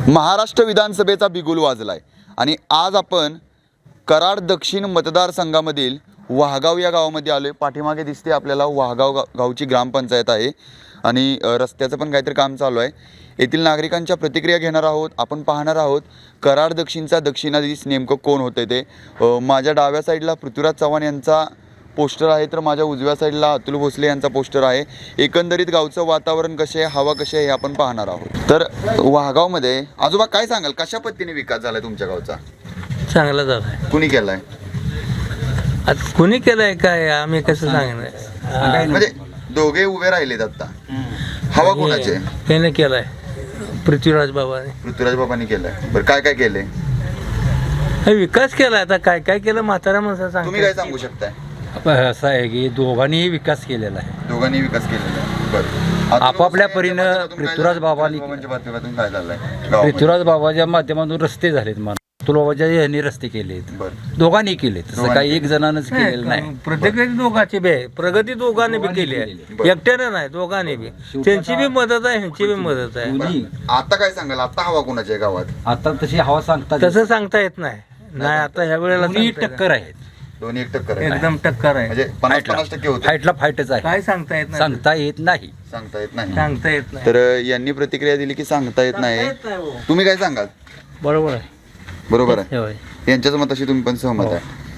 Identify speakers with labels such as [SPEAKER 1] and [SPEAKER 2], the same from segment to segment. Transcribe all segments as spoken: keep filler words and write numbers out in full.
[SPEAKER 1] महाराष्ट्र विधानसभेचा बिगुल वाजलाय आणि आज आपण कराड दक्षिण मतदारसंघामधील वाहगाव या गावामध्ये आलोय। पाठीमागे दिसते आपल्याला वाहगाव गा गावची ग्रामपंचायत आहे आणि रस्त्याचं पण काहीतरी काम चालू आहे। येथील नागरिकांच्या प्रतिक्रिया घेणार आहोत, आपण पाहणार आहोत कराड दक्षिणचा दक्षिणाधीश नेमकं कोण होते ते। माझ्या डाव्या साईडला पृथ्वीराज चव्हाण यांचा पोस्टर आहे, तर माझ्या उजव्या साईडला अतुल भोसले यांचा पोस्टर आहे। एकंदरीत गावचं वातावरण कसे आहे, हवा कशी आहे हे आपण पाहणार आहोत। तर वाहगावमध्ये आजोबा काय सांगाल, कशा पद्धतीने विकास झालाय तुमच्या गावचा?
[SPEAKER 2] चांगला झालाय।
[SPEAKER 1] कुणी केलाय?
[SPEAKER 2] आता कुणी केलंय काय आम्ही कसं सांगणार?
[SPEAKER 1] म्हणजे दोघे उभे राहिलेत आता, हवा कोणाची आहे?
[SPEAKER 2] त्याने केलाय पृथ्वीराज बाबाने।
[SPEAKER 1] पृथ्वीराज बाबांनी केलाय। बरं काय काय केलंय?
[SPEAKER 2] हे विकास केला, आता काय काय केलं म्हातारा माणसा सांग।
[SPEAKER 1] तुम्ही काय सांगू शकताय?
[SPEAKER 3] असं आहे की दोघांनीही विकास केलेला आहे,
[SPEAKER 1] दोघांनी विकास केलेला आहे। बरं
[SPEAKER 3] आपापल्या परीनं पृथ्वीराज बाबांनी
[SPEAKER 1] माध्यमातून काय झालंय?
[SPEAKER 3] पृथ्वीराज बाबाच्या माध्यमातून रस्ते झालेत, मान अतुल बाबाच्या यांनी रस्ते केलेत, दोघांनी केले, तसं काही एक जणांनाच केलेलं नाही।
[SPEAKER 2] प्रत्येक दोघांची बी प्रगती दोघांनी बी केली आहे, एकट्याने नाही, दोघांनी बी। त्यांची बी मदत आहे, ह्यांची बी मदत आहे।
[SPEAKER 1] आता काय सांगाल, आता हवा कोणाची आहे गावात?
[SPEAKER 3] आता तशी हवा सांगता
[SPEAKER 2] तसं सांगता येत नाही। नाही आता ह्या वेळेला
[SPEAKER 3] टक्कर आहेत,
[SPEAKER 1] दोन्ही एक टक्कर आहे,
[SPEAKER 2] एकदम टक्कर आहे।
[SPEAKER 1] म्हणजे पन्नास पन्नास टक्के होते।
[SPEAKER 3] फाईटला फाईटच आहे,
[SPEAKER 2] काय सांगता येत नाही,
[SPEAKER 3] सांगता येत नाही,
[SPEAKER 1] सांगता येत नाही,
[SPEAKER 2] सांगता येत नाही।
[SPEAKER 1] तर यांनी प्रतिक्रिया दिली की सांगता येत नाही। तुम्ही काय सांगाल?
[SPEAKER 2] बरोबर आहे,
[SPEAKER 1] बरोबर आहे,
[SPEAKER 2] होय।
[SPEAKER 1] यांच्याच मताशी तुम्ही पण सहमत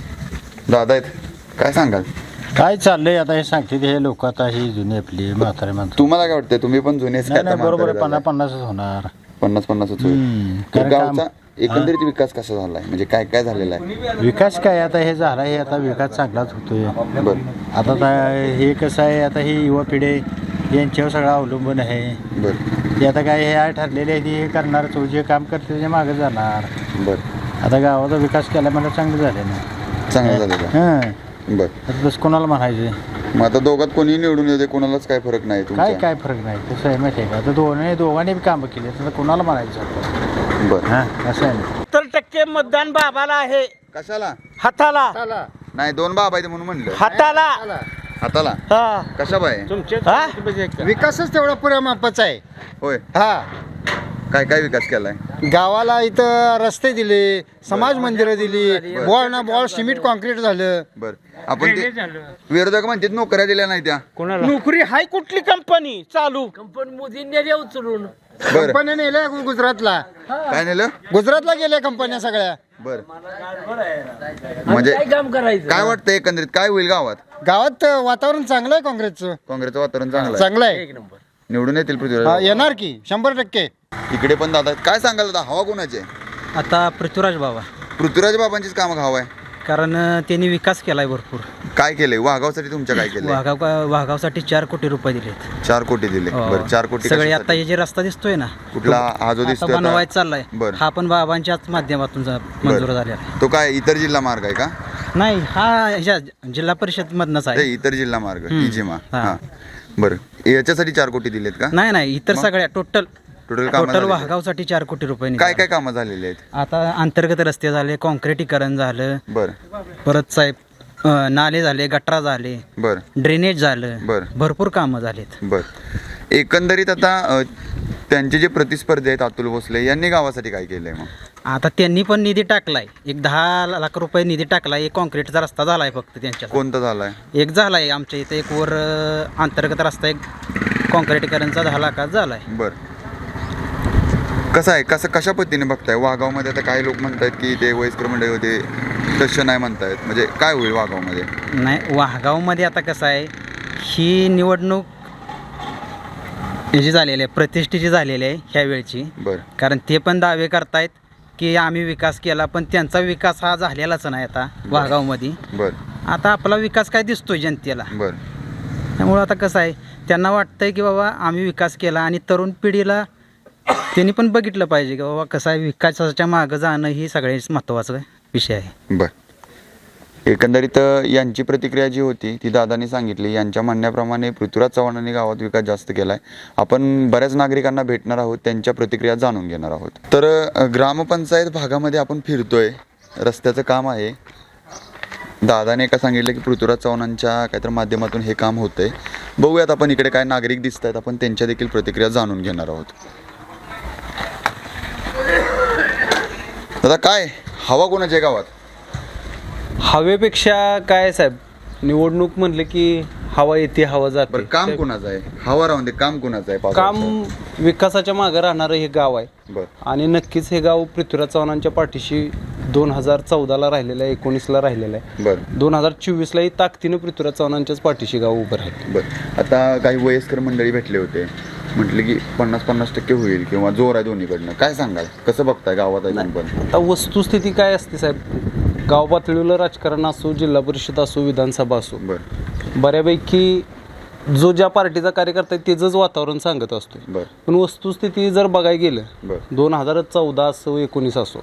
[SPEAKER 1] आहे? दादा आहेत, काय सांगाल?
[SPEAKER 4] काय चाललंय आता हे सांगते हे लोक, आता ही जुनी आपली म्हातारे माणसं।
[SPEAKER 1] तुम्हाला काय वाटतंय? तुम्ही पण जुनेच
[SPEAKER 4] नाही नाही, बरोबर आहे, पन्नास पन्नासच होणार,
[SPEAKER 1] पन्नास पन्नासच
[SPEAKER 4] हम्म,
[SPEAKER 1] होईल। तर
[SPEAKER 4] कारण
[SPEAKER 1] गावचा एकंदरीत विकास कसा झालाय, म्हणजे काय काय झालेला आहे?
[SPEAKER 4] विकास काय आता हे झाला, हे आता विकास चांगलाच होतोय।
[SPEAKER 1] बरं
[SPEAKER 4] आता ता- हे कसं आहे, आता ही युवा पिढी यांच्यावर सगळं अवलंबून आहे।
[SPEAKER 1] बरं
[SPEAKER 4] ते आता काय हे आहे ठरलेले आहे, ते करणार, तो जे काम करते त्याच्या मागे जाणार।
[SPEAKER 1] बरं
[SPEAKER 4] आता गावाचा विकास केला मला चांगलं झालं ना,
[SPEAKER 1] चांगलं झालेलं आहे।
[SPEAKER 4] हां
[SPEAKER 1] बरं,
[SPEAKER 4] आता तसं कोणाला म्हणायचं?
[SPEAKER 1] मग आता दोघात कोणी निवडून येते, कोणालाच काय फरक नाही
[SPEAKER 4] काय
[SPEAKER 1] तुमच्या?
[SPEAKER 4] काय फरक नाही, कसं आहे माहिती आहे का, आता दोन्ही दोघांनी बी कामं केली, तर कोणाला म्हणायचं?
[SPEAKER 1] बरं,
[SPEAKER 4] हां असं आहे ना।
[SPEAKER 2] सत्तर टक्के मतदान बाबाला आहे,
[SPEAKER 1] कशाला?
[SPEAKER 2] हाताला
[SPEAKER 1] नाही, दोन बाब आहेत म्हणून म्हणलं।
[SPEAKER 2] हाताला
[SPEAKER 1] हाताला
[SPEAKER 2] हा
[SPEAKER 1] कशा बाय?
[SPEAKER 2] हा?
[SPEAKER 4] विकासच तेवढा पुऱ्या मापाचा आहे।
[SPEAKER 1] होय,
[SPEAKER 4] हा,
[SPEAKER 1] काय काय विकास केलाय?
[SPEAKER 4] गावाला इथं रस्ते दिले, समाज मंदिरं दिली, बॉल ना बॉल सिमेंट कॉन्क्रीट झालं।
[SPEAKER 1] बर, आपण ते विरोधक म्हणतात नोकऱ्या दिल्या नाही त्या,
[SPEAKER 2] कोणाला नोकरी हाय? कुठली कंपनी चालू? कंपनी मोदींनी उचलून
[SPEAKER 1] बर
[SPEAKER 4] कंपन्या नेल्या गुजरातला,
[SPEAKER 1] काय नेलं?
[SPEAKER 4] गुजरातला गेल्या कंपन्या सगळ्या।
[SPEAKER 1] बर, म्हणजे
[SPEAKER 2] काय काम करायचं?
[SPEAKER 1] काय वाटतं एकंदरीत काय होईल गावात?
[SPEAKER 4] गावात वातावरण चांगलं आहे, काँग्रेसचं
[SPEAKER 1] काँग्रेसचं वातावरण चांगलं आहे,
[SPEAKER 4] चांगलं आहे,
[SPEAKER 1] निवडून येतील
[SPEAKER 4] हा,
[SPEAKER 1] पृथ्वीराज।
[SPEAKER 4] येणार की शंभर टक्के।
[SPEAKER 1] इकडे पण दादा आहेत. काय सांगाल दादा, हवा कोणाची आहे?
[SPEAKER 3] आता पृथ्वीराज बाबा,
[SPEAKER 1] पृथ्वीराज बाबांचीच काम हवा आहे?
[SPEAKER 3] कारण त्यांनी विकास केलाय भरपूर।
[SPEAKER 1] काय केलंय वाघावसाठी तुमच्या? काय केलंय?
[SPEAKER 3] वाघाव वाघावसाठी चार कोटी रुपये दिलेत।
[SPEAKER 1] चार कोटी दिले। बरं, चार कोटी
[SPEAKER 3] सगळे
[SPEAKER 1] कशासाठी?
[SPEAKER 3] आता हे जे रस्ता दिसतोय ना,
[SPEAKER 1] कुठला हा जो
[SPEAKER 3] आता
[SPEAKER 1] दिसतोय आता?
[SPEAKER 3] बनवायचा चाललाय,
[SPEAKER 1] बरं.
[SPEAKER 3] हा पण बाबांच्याच माध्यमातून जा- मंजूर झालेला आहे।
[SPEAKER 1] तो काय इतर जिल्हा मार्ग आहे का?
[SPEAKER 3] नाही, हा ह्याच्या जिल्हा परिषद मधनच
[SPEAKER 1] ते
[SPEAKER 3] आहे।
[SPEAKER 1] इतर जिल्हा मार्ग
[SPEAKER 3] हम्म.
[SPEAKER 1] इजिमा।
[SPEAKER 3] हा.
[SPEAKER 1] हा, बरं, याच्यासाठी चार कोटी दिलेत का?
[SPEAKER 3] नाही नाही, इतर
[SPEAKER 1] मग?
[SPEAKER 3] सगळ्या टोटल
[SPEAKER 1] टोटल कामं
[SPEAKER 3] टोटल
[SPEAKER 1] झालेली?
[SPEAKER 3] वाहगावसाठी चार कोटी रुपये
[SPEAKER 1] काय
[SPEAKER 3] निघाले.
[SPEAKER 1] काय कामं झालेली आहेत?
[SPEAKER 3] आता अंतर्गत रस्ते झाले, कॉन्क्रिटीकरण झालं,
[SPEAKER 1] बरं
[SPEAKER 3] परत साहेब अं, नाले झाले, गटरा झाले,
[SPEAKER 1] बरं
[SPEAKER 3] ड्रेनेज झालं,
[SPEAKER 1] बरं.
[SPEAKER 3] भरपूर कामं झालेत।
[SPEAKER 1] बरं, एकंदरीत आता अ, त्यांचे जे प्रतिस्पर्धी आहेत अतुल भोसले यांनी गावासाठी काय केलंय मग?
[SPEAKER 3] आता त्यांनी पण निधी टाकलाय, एक दहा लाख रुपये निधी टाकलाय। एक कॉन्क्रीटचा रस्ता झालाय फक्त त्यांच्या,
[SPEAKER 1] कोणता झालाय?
[SPEAKER 3] एक झालाय आमच्या इथे, एक वर अं, अंतर्गत रस्ता एक कॉन्क्रिटीकरणचा दहा लाखात झालाय।
[SPEAKER 1] बरं, कसं आहे, कसं कशा पद्धतीने बघताय वाघावमध्ये? आता काही लोक म्हणतात की ते वयस्कर मंडळी होते, तसं नाही म्हणतायत, म्हणजे काय होईल वाघावमध्ये?
[SPEAKER 3] नाही, वाहगावमध्ये आता कसं आहे, ही निवडणूक याची झालेली आहे, प्रतिष्ठेची झालेली आहे ह्या वेळची।
[SPEAKER 1] बरं
[SPEAKER 3] कारण ते पण दावे करतायत की आम्ही विकास केला, पण त्यांचा विकास हा झालेलाच नाही आता वाहगावमध्ये।
[SPEAKER 1] बरं
[SPEAKER 3] आता आपला विकास काय दिसतोय जनतेला,
[SPEAKER 1] बरं
[SPEAKER 3] त्यामुळं आता कसं आहे, त्यांना वाटतंय की बाबा आम्ही विकास केला, आणि तरुण पिढीला त्यांनी पण बघितलं पाहिजे की बाबा कसं आहे, विकासाच्या मागं जाणं ही सगळ्यात महत्त्वाचा विषय आहे।
[SPEAKER 1] बरं, एकंदरीत अ, यांची प्रतिक्रिया जी होती ती दादांनी सांगितली। यांच्या म्हणण्याप्रमाणे पृथ्वीराज चव्हाणांनी गावात विकास जास्त केला आहे। आपण बऱ्याच नागरिकांना भेटणार आहोत, त्यांच्या प्रतिक्रिया जाणून घेणार आहोत। तर अ, ग्रामपंचायत भागामध्ये आपण फिरतोय, रस्त्याचं काम आहे। दादाने का सांगितलं की पृथ्वीराज चव्हाणांच्या काहीतरी माध्यमातून हे काम होतंय। बघूयात आपण इकडे काय नागरिक दिसत आहेत, आपण त्यांच्या देखील प्रतिक्रिया जाणून घेणार आहोत। दादा काय हवा कोणाच्या आहे गावात?
[SPEAKER 3] हवेपेक्षा काय साहेब, निवडणूक म्हणले की हवा येते हवा
[SPEAKER 1] बरं
[SPEAKER 3] जाते.
[SPEAKER 1] काम कोणाचं आहे? हवा राहून दे, काम कोणाचं आहे? पाच
[SPEAKER 3] काम
[SPEAKER 1] वर्षात?
[SPEAKER 3] विकासाच्या मागे राहणारं हे गाव आहे
[SPEAKER 1] बरं
[SPEAKER 3] आणि नक्कीच हे गाव पृथ्वीराज चव्हाणांच्या पाठीशी दोन हजार चौदाला राहिलेलं आहे, एकोणीसला राहिलेलं आहे,
[SPEAKER 1] बरं
[SPEAKER 3] दोन हजार चोवीसलाही ताकदीनं पृथ्वीराज चव्हाणांच्याच पाठीशी गाव उभं राहील.
[SPEAKER 1] बरं आता काही वयस्कर मंडळी भेटले होते, म्हटले की पन्नास पन्नास टक्के होईल किंवा जोर आहे दोन्हीकडनं. काय सांगाल, कसं बघताय गावात अजून पण?
[SPEAKER 3] आता वस्तुस्थिती काय असते साहेब, गाव पातळीवर राजकारण असो, जिल्हा परिषद असो, विधानसभा असो,
[SPEAKER 1] बरं
[SPEAKER 3] बऱ्यापैकी जो ज्या पार्टीचा कार्यकर्ता आहे त्याचंच वातावरण सांगत असतो.
[SPEAKER 1] बरं
[SPEAKER 3] पण वस्तुस्थिती जर बघायला गेलं,
[SPEAKER 1] बरं
[SPEAKER 3] दोन हजार चौदा असो एकोणीस असो,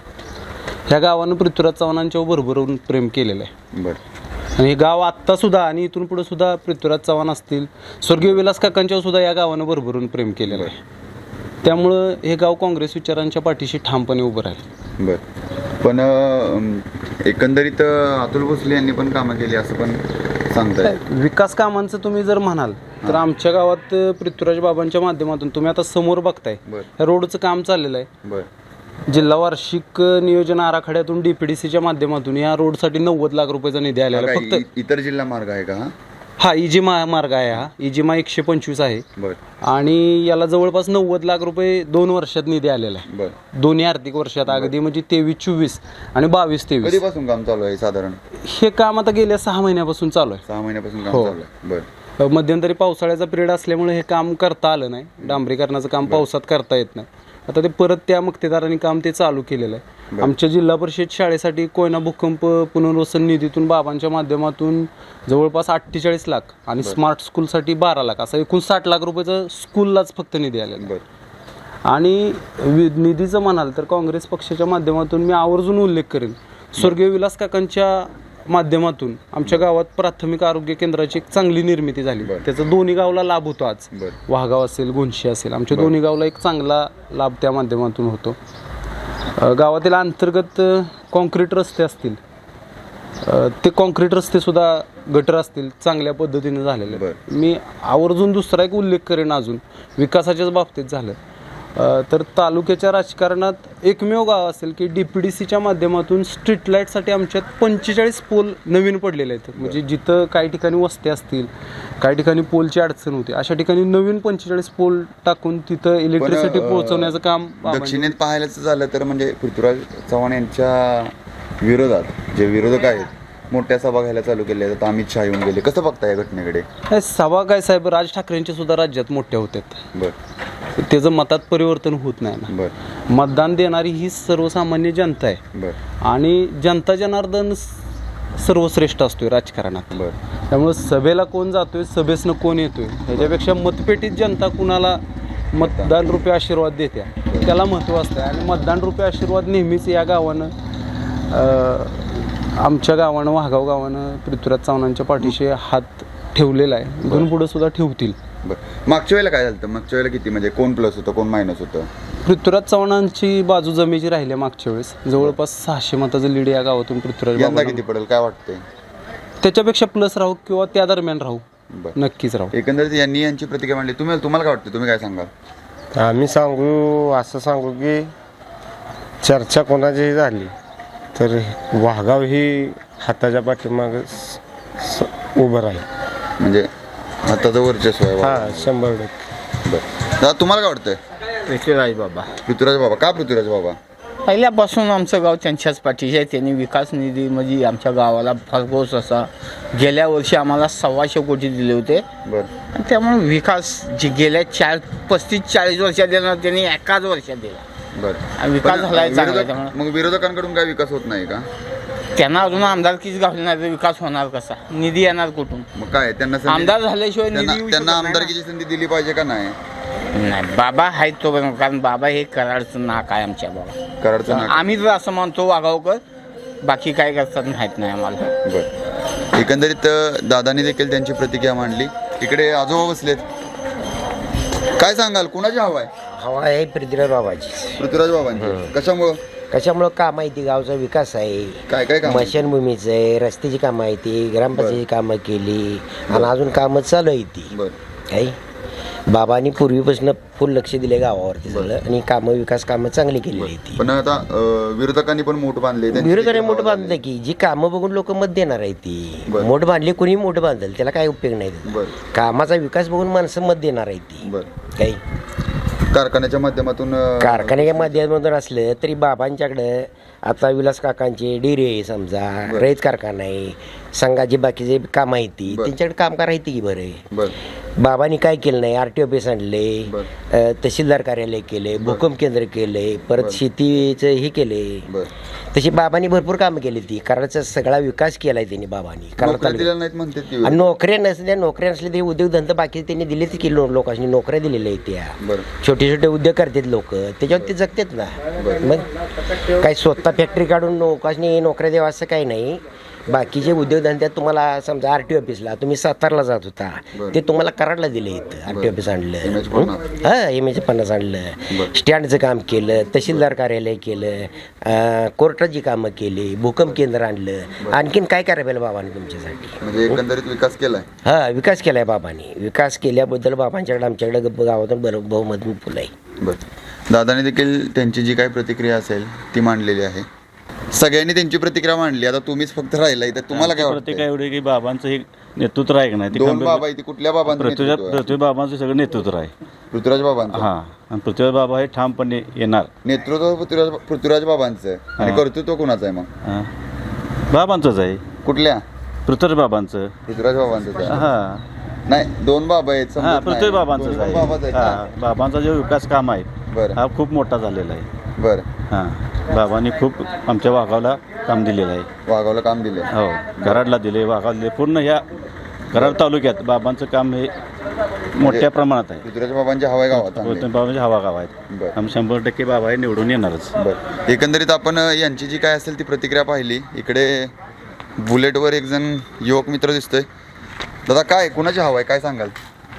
[SPEAKER 3] ह्या गावानं पृथ्वीराज चव्हाणांच्यावर भरभरून प्रेम केलेलं आहे.
[SPEAKER 1] बरं
[SPEAKER 3] आणि हे गाव आत्तासुद्धा आणि इथून पुढे सुद्धा पृथ्वीराज चव्हाण असतील, स्वर्गीय विलास काकांच्यावर सुद्धा या गावानं भरभरून प्रेम केलेलं आहे. त्यामुळं हे गाव काँग्रेस विचारांच्या पाठीशी ठामपणे उभं राहील.
[SPEAKER 1] बरं पण अं, एकंदरीत अं, अतुल भोसले यांनी पण कामं केली असं पण सांगताय.
[SPEAKER 3] विकास कामांचं तुम्ही जर म्हणाल तर आमच्या गावात पृथ्वीराज बाबांच्या माध्यमातून तुम्ही आता समोर बघताय,
[SPEAKER 1] बरं
[SPEAKER 3] ह्या रोडचं काम चाललेलं आहे.
[SPEAKER 1] बरं
[SPEAKER 3] जिल्हा वार्षिक नियोजन आराखड्यातून डीपीडीसीच्या माध्यमातून या रोडसाठी नव्वद लाख रुपयाचा निधी आलेला आहे.
[SPEAKER 1] काय
[SPEAKER 3] फक्त
[SPEAKER 1] इ- इतर जिल्हा मार्ग आहे का हा?
[SPEAKER 3] हा इजिमा मार्ग आहे, हा इजिमा एकशे पंचवीस आहे
[SPEAKER 1] बरं
[SPEAKER 3] आणि याला जवळपास नव्वद लाख रुपये दोन वर्षात निधी आलेला आहे.
[SPEAKER 1] बरं
[SPEAKER 3] दोन्ही आर्थिक वर्षात अगदी म्हणजे तेवीस चोवीस आणि बावीस तेवीस
[SPEAKER 1] कधीपासून काम चालू आहे साधारण?
[SPEAKER 3] हे काम आता गेल्या सहा महिन्यापासून चालू आहे.
[SPEAKER 1] सहा महिन्यापासून काम
[SPEAKER 3] हो.
[SPEAKER 1] चालू आहे. बरं
[SPEAKER 3] मध्यंतरी पावसाळ्याचा पिरियड असल्यामुळे हे काम करता आलं नाही, डांबरीकरणाचं काम पावसात करता येत नाही. आता ते परत त्या मक्तेदारांनी काम ते चालू केलेलं आहे. आमच्या जिल्हा परिषद शाळेसाठी कोयना भूकंप पुनर्वसन निधीतून बाबांच्या माध्यमातून जवळपास अठ्ठेचाळीस लाख आणि स्मार्ट स्कूलसाठी बारा लाख असा एकूण साठ लाख रुपयाचं स्कूललाच फक्त निधी आलेला आहे.
[SPEAKER 1] बरं
[SPEAKER 3] आणि वि- निधीचं म्हणाल तर काँग्रेस पक्षाच्या माध्यमातून मी आवर्जून उल्लेख करेन, स्वर्गीय विलास काकांच्या माध्यमातून आमच्या गावात प्राथमिक आरोग्य केंद्राची एक चांगली निर्मिती झाली.
[SPEAKER 1] बरं.
[SPEAKER 3] त्याचा दोन्ही गावला लाभ होतो. आज
[SPEAKER 1] बरं
[SPEAKER 3] वाहगाव असेल, गुंशी असेल, आमच्या दोन्ही गावला एक चांगला लाभ त्या माध्यमातून होतो. अ, गावातील अंतर्गत अ, कॉन्क्रीट रस्ते असतील, अ, ते कॉन्क्रीट रस्ते सुद्धा गटर असतील चांगल्या पद्धतीने झालेले.
[SPEAKER 1] बरं.
[SPEAKER 3] मी आवर्जून दुसरा एक उल्लेख करेन अजून विकासाच्याच बाबतीत झालं अ, तर तालुक्याच्या राजकारणात एकमेव गाव असेल की डी पी डी सीच्या माध्यमातून स्ट्रीट लाईटसाठी आमच्यात पंचेचाळीस पोल नवीन पडलेले आहेत. म्हणजे जिथं काही ठिकाणी वस्त्या असतील, काही ठिकाणी पोलची अडचण होती, अशा ठिकाणी नवीन पंचेचाळीस पोल टाकून तिथं इलेक्ट्रिसिटी
[SPEAKER 1] अ,
[SPEAKER 3] पोहोचवण्याचं काम
[SPEAKER 1] दक्षिणेत पाहायलाच झालं तर म्हणजे पृथ्वीराज चव्हाण यांच्या विरोधात जे विरोधक आहेत मोठ्या सभा घ्यायला चालू केल्या आहेत. आता अमित शहा येऊन गेले. कसं बघताय या घटनेकडे?
[SPEAKER 3] हे सभा काय साहेब, राज ठाकरेंच्या सुद्धा राज्यात मोठ्या होत्यात,
[SPEAKER 1] बरं
[SPEAKER 3] त्याचं मतात परिवर्तन होत नाही ना.
[SPEAKER 1] बरं
[SPEAKER 3] मतदान देणारी ही सर्वसामान्य जनता आहे
[SPEAKER 1] बरं
[SPEAKER 3] आणि जनता जनार्दन स- सर्वश्रेष्ठ असतोय राजकारणात.
[SPEAKER 1] बरं
[SPEAKER 3] त्यामुळे सभेला कोण जातोय, सभेसनं कोण येतोय, ह्याच्यापेक्षा मतपेटीत जनता कुणाला मतदान रुपये आशीर्वाद देत्या त्याला महत्त्व असतं. आणि मतदान रुपये आशीर्वाद नेहमीच या गावानं अं, आमच्या गावानं वाहगाव गावानं पृथ्वीराज चव्हाणांच्या पाठीशी हात ठेवलेला आहे, इथून पुढे सुद्धा ठेवतील.
[SPEAKER 1] बरं मागच्या वेळेला काय झालं होतं? मागच्या वेळेला किती म्हणजे कोण प्लस होतं कोण मायनस होतं?
[SPEAKER 3] पृथ्वीराज चव्हाणांची बाजू जमेची राहिली मागच्या वेळेस, जवळपास सहाशे मताचं लीड या गावातून पृथ्वीराज
[SPEAKER 1] यंदा
[SPEAKER 3] बाबांना.
[SPEAKER 1] किती पडेल काय वाटतंय?
[SPEAKER 3] त्याच्यापेक्षा प्लस राहू किंवा त्या दरम्यान राहू,
[SPEAKER 1] बरं
[SPEAKER 3] नक्कीच राहू.
[SPEAKER 1] एकंदरीत यांनी यांची प्रतिक्रिया मांडली. तुम्ही तुम्हाला काय वाटतं, तुम्ही काय सांगाल?
[SPEAKER 5] आम्ही सांगू असं सांगू की चर्चा कोणाचीही झाली तर वाहगाव ही हाताच्या पाठीमागं स- स- उभं राहील.
[SPEAKER 1] म्हणजे हाताचं वर्चस्व आहे.
[SPEAKER 5] हा शंभर टक्के.
[SPEAKER 1] बरं दादा तुम्हाला काय वाटतंय?
[SPEAKER 6] पृथ्वीराज बाबा
[SPEAKER 1] पृथ्वीराज बाबा का? पृथ्वीराज बाबा
[SPEAKER 6] पहिल्यापासून आमचं गाव त्यांच्याच पाठीशी आहे. त्यांनी विकास निधी म्हणजे आमच्या गावाला भरघोस असा गेल्या वर्षी आम्हाला सव्वाशे कोटी दिले होते.
[SPEAKER 1] बरं
[SPEAKER 6] आणि त्यामुळे विकास जी गेल्या चार पस्तीस चाळीस वर्षात दिला त्यांनी एकाच वर्षात दिला.
[SPEAKER 1] बरं
[SPEAKER 6] आणि विकास
[SPEAKER 1] पण
[SPEAKER 6] झालाय चांगला.
[SPEAKER 1] विरोधक-
[SPEAKER 6] त्यामुळे
[SPEAKER 1] मग विरोधकांकडून काय विकास होत नाही का?
[SPEAKER 6] त्यांना अजून आमदारकीच घालली नाही तर विकास होणार कसा? निधी येणार कुठून?
[SPEAKER 1] मग काय त्यांना संधी-
[SPEAKER 6] आमदार झाल्याशिवाय निधी
[SPEAKER 1] त्यांना
[SPEAKER 6] येऊ
[SPEAKER 1] त्यांना
[SPEAKER 6] शकत नाही ना.
[SPEAKER 1] आमदारकीची संधी दिली पाहिजे का नाही?
[SPEAKER 6] नाही बाबा आहेत तो बरं, कारण बाबा हे कराडचं नाक आहे आमच्या बाबा.
[SPEAKER 1] कराडचं नाक.
[SPEAKER 6] आम्ही तर असं म्हणतो वागावकर, बाकी काय करतात माहीत नाही आम्हाला.
[SPEAKER 1] बरं एकंदरीत अं, दादानी देखील त्यांची प्रतिक्रिया मांडली. इकडे आजोबा बसलेत. काय सांगाल, कुणाची हवा आहे?
[SPEAKER 7] हवा आहे पृथ्वीराज बाबाची.
[SPEAKER 1] पृथ्वीराज बाबांची. कशामुळं?
[SPEAKER 7] कशामुळं काम आहे ती, गावचा विकास आहे,
[SPEAKER 1] काय काय काम?
[SPEAKER 7] मशानभूमीचं आहे, रस्त्याची कामं आहे ती, ग्रामपंचायतीची कामं केली आणि अजून कामं चालू आहे ती
[SPEAKER 1] बरं
[SPEAKER 7] काही बाबांनी पूर्वीपासून फुल लक्ष दिले गावावरती सगळं आणि कामं विकास कामं चांगली केलेली आहेत ती.
[SPEAKER 1] पण आता अं, विरोधकांनी पण मोठ बांधले त्यांची
[SPEAKER 7] विरोधाने
[SPEAKER 1] देखील
[SPEAKER 7] मोठ
[SPEAKER 1] नावं
[SPEAKER 7] बांधलं
[SPEAKER 1] लागली.
[SPEAKER 7] की जी कामं बघून लोक मत देणार आहे ती.
[SPEAKER 1] बरं.
[SPEAKER 7] मोठ बांधली कोणी मोठ बांधल त्याला काय उपयोग नाही त्याचा.
[SPEAKER 1] बरं.
[SPEAKER 7] कामाचा विकास बघून माणसं मत देणार आहे ती.
[SPEAKER 1] बरं.
[SPEAKER 7] काही
[SPEAKER 1] कारखान्याच्या माध्यमातून अं,
[SPEAKER 7] कारखान्याच्या माध्यमातून असलं तरी बाबांच्याकडं आता विलास काकांचे डेरे समजा रयत कारखाना आहे संघाची बाकीचे काम आहे ती
[SPEAKER 1] बरं.
[SPEAKER 7] त्यांच्याकडे कामगार आहे ती की बरं.
[SPEAKER 1] बरं.
[SPEAKER 7] बाबांनी काय केलं नाही आर टी ऑफिस आणले
[SPEAKER 1] बरं.
[SPEAKER 7] अ, तहसीलदार कार्यालय केले भूकंप केंद्र केले परत शेतीचं हे केले.
[SPEAKER 1] बरं.
[SPEAKER 7] तशी बाबांनी भरपूर कामं केली ती कराडचा सगळा विकास केलाय त्यांनी बाबांनी कराड
[SPEAKER 1] नोकऱ्या
[SPEAKER 7] तालुक्यात.
[SPEAKER 1] दिल्या नाहीत म्हणतात की
[SPEAKER 7] आणि नोकऱ्या नसल्या नोकऱ्या नसल्या तरी उद्योगधंदा बाकी त्यांनी दिलेच की लो- लोकांनी नोकऱ्या दिलेल्या आहेत त्या.
[SPEAKER 1] बरं.
[SPEAKER 7] छोटे छोटे उद्योग करतात लोक त्याच्यावर ते जगतात ना. मग काही स्वतः फॅक्टरी काढून लोकांनी नोकऱ्या द्यावा असं काही नाही. बाकीचे उद्योगधंद्यात तुम्हाला समजा आर टी ऑफिसला तुम्ही सातारला जात होता
[SPEAKER 1] बरं.
[SPEAKER 7] ते तुम्हाला कराडला दिले इथं आर टी ऑफिस आणलं
[SPEAKER 1] एम एच पन्नास.
[SPEAKER 7] हा एम एच पन्नास आणलं
[SPEAKER 1] बरं.
[SPEAKER 7] स्टँडचं काम केलं तहसीलदार कार्यालय केलं अं, कोर्टाची कामं केली भूकंप केंद्र आणलं आणखीन काय करायला पाहिजे बाबांनी तुमच्यासाठी.
[SPEAKER 1] म्हणजे एकंदरीत विकास केलाय.
[SPEAKER 7] हा विकास केलाय बाबांनी विकास केल्याबद्दल बाबांच्याकडे आमच्याकडे ग- गावातून बरं बहुमत फुलं आहे.
[SPEAKER 1] बरं. दादाने देखील त्यांची जी काही प्रतिक्रिया असेल ती मांडलेली आहे. सगळ्यांनी त्यांची प्रतिक्रिया मांडली आता तुम्हीच फक्त राहिलाय तर तुम्हाला काय
[SPEAKER 8] प्रत्येक
[SPEAKER 1] वाटतं?
[SPEAKER 8] एवढे की बाबांचं हे नेतृत्व आहे का नाही ते
[SPEAKER 1] दोन
[SPEAKER 8] खंबीर-
[SPEAKER 1] बाबा इथे कुठल्या बाबांचं
[SPEAKER 8] पृथ्वीराज
[SPEAKER 1] नेतृत्व आहे?
[SPEAKER 8] पृथ्वी बाबांचं सगळं नेतृत्व आहे.
[SPEAKER 1] पृथ्वीराज बाबांचं
[SPEAKER 8] हा आणि पृथ्वीराज बाबा हे ठामपणे येणार.
[SPEAKER 1] नेतृत्व पृथ्वीराज पृथ्वीराज बाबांचं आणि
[SPEAKER 8] हा.
[SPEAKER 1] कर्तृत्व कोणाचं आहे मग?
[SPEAKER 8] हा. बाबांचंच आहे
[SPEAKER 1] कुठल्या?
[SPEAKER 8] पृथ्वीराज बाबांचं.
[SPEAKER 1] पृथ्वीराज बाबांचं आहे.
[SPEAKER 8] हा
[SPEAKER 1] नाही दोन बाबा आहेत समजत
[SPEAKER 8] हा
[SPEAKER 1] नाही.
[SPEAKER 8] पृथ्वी बाबांचंच
[SPEAKER 1] दोन
[SPEAKER 8] आहे.
[SPEAKER 1] बाबाच आहेत
[SPEAKER 8] हा
[SPEAKER 1] ना?
[SPEAKER 8] बाबांचा जो विकास काम आहे
[SPEAKER 1] बरं.
[SPEAKER 8] हा खूप मोठा झालेला आहे.
[SPEAKER 1] बरं.
[SPEAKER 8] हा बाबांनी खूप आमच्या वाघावला काम दिलेलं आहे.
[SPEAKER 1] वाघावला काम दिले.
[SPEAKER 8] हो कराडला दिले वाघावला दिले पूर्ण ह्या कराड तालुक्यात बाबांचं काम हे मोठ्या प्रमाणात आहे.
[SPEAKER 1] पृथ्वीराज बाबांच्या हवाय गावात चांगले.
[SPEAKER 8] पृथ्वी बाबांचे हवा गाव आहेत.
[SPEAKER 1] बरं.
[SPEAKER 8] आम्ही शंभर टक्के बाबा हे निवडून येणारच.
[SPEAKER 1] बरं. एकंदरीत आपण अ, यांची जी काय असेल ती प्रतिक्रिया पाहिली. इकडे बुलेटवर एक जण युवक मित्र दिसतोय. दादा काय कुणाची हवा आहे काय सांगाल?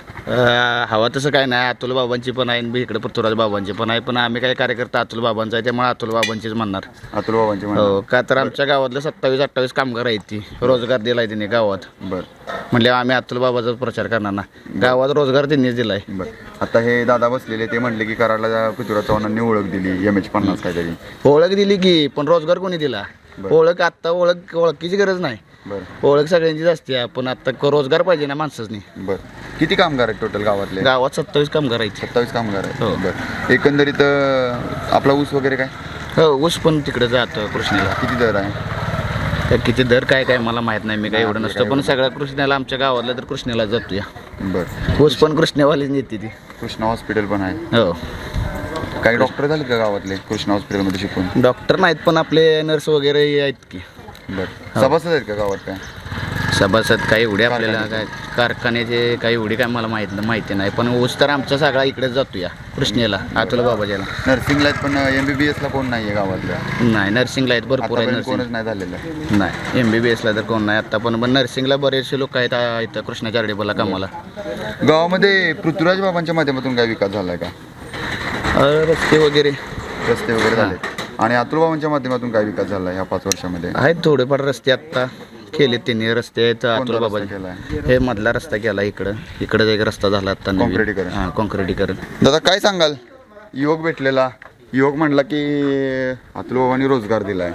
[SPEAKER 6] हवा तसं काय नाही अतुल बाबांची पण आहे आणि इकडे पृथ्वीराज बाबांची पण आहे पण आम्ही काय कार्यकर्ता अतुल बाबांचा आहे त्यामुळे अतुल बाबांचीच म्हणणार.
[SPEAKER 1] अतुल बाबांची म्हणा.
[SPEAKER 6] हो का तर आमच्या गावातले सत्तावीस अठ्ठावीस कामगार आहेत ती रोजगार दिलाय त्यांनी गावात
[SPEAKER 1] बरं.
[SPEAKER 6] म्हणले आम्ही अतुल बाबाचा प्रचार करणार ना गावात रोजगार त्यांनीच दिलाय.
[SPEAKER 1] बरं. आता हे दादा बसलेले ते म्हणले की कराडला पृथ्वीराज चव्हाणांनी ओळख दिली एम एच पन्नास काहीतरी.
[SPEAKER 6] ओळख दिली की पण रोजगार कोणी दिला? ओळख आत्ता ओळख ओळखीची गरज नाही.
[SPEAKER 1] बरं.
[SPEAKER 6] ओळख सगळ्यांचीच असते पण आता क- रोजगार पाहिजे ना माणसांनी.
[SPEAKER 1] बरं. किती कामगार आहेत टोटल गावातले?
[SPEAKER 6] गावात सत्तावीस कामगार आहेत.
[SPEAKER 1] सत्तावीस कामगार आहेत.
[SPEAKER 6] हो.
[SPEAKER 1] बरं. एकंदरीत अ, आपला ऊस वगैरे काय
[SPEAKER 6] हो ऊस पण तिकडे जातं कृष्णेला.
[SPEAKER 1] किती दर आहे?
[SPEAKER 6] तर किती दर काय काय मला माहित नाही मी काय एवढं नसतं पण सगळ्या कृष्णाला आमच्या गावातला तर कृष्णेला जातो या
[SPEAKER 1] बरं.
[SPEAKER 6] ऊस पण कृष्णेवालीच नेते ती.
[SPEAKER 1] कृष्णा हॉस्पिटल पण आहे.
[SPEAKER 6] हो
[SPEAKER 1] काही डॉक्टर झाले का गावातले कृष्णा हॉस्पिटलमध्ये शिकून?
[SPEAKER 6] डॉक्टर नाहीत पण आपले नर्स वगैरे आहेत की.
[SPEAKER 1] बरं. सभासद आहेत का गावात काय?
[SPEAKER 6] सभासद काही एवढे आपल्याला काय कारखान्याचे काही एवढी काय मला माहित माहिती नाही पण ऊस तर आमचा सगळा इकडेच जातो या कृष्णेला अतुल बाबाजाला.
[SPEAKER 1] नर्सिंगला आहेत पण एम बी बी एसला कोण नाही आहे गावातल्या?
[SPEAKER 6] नाही नर्सिंगला आहेत भरपूर आहे
[SPEAKER 1] आतापर्यंत
[SPEAKER 6] नर्सिंग.
[SPEAKER 1] कोणच नाही झालेलं.
[SPEAKER 6] नाही एम बी बी एसला तर कोण नाही आत्ता पण पण नर्सिंगला बरेचसे लोक आहेत आ, इथं कृष्णा चारडेबला कामाला.
[SPEAKER 1] गावामध्ये पृथ्वीराज बाबांच्या माध्यमातून काय विकास झालाय का?
[SPEAKER 6] अ, रस्ते वगैरे
[SPEAKER 1] रस्ते वगैरे झाले. आणि अतुल बाबांच्या माध्यमातून काय विकास झाला ह्या पाच वर्षामध्ये?
[SPEAKER 6] आहेत थोडेफार रस्ते आत्ता केले त्यांनी रस्ते आहेत अतुल
[SPEAKER 1] रस्ता
[SPEAKER 6] बाबा
[SPEAKER 1] केलाय?
[SPEAKER 6] हे मधला रस्ता केला इकडं इकडं एक रस्ता झाला आता नवीन.
[SPEAKER 1] काँक्रिटीकरण.
[SPEAKER 6] हां काँक्रिटीकरण.
[SPEAKER 1] दादा काय सांगाल? युवक भेटलेला युवक म्हणला की अतुल बाबांनी रोजगार दिलाय.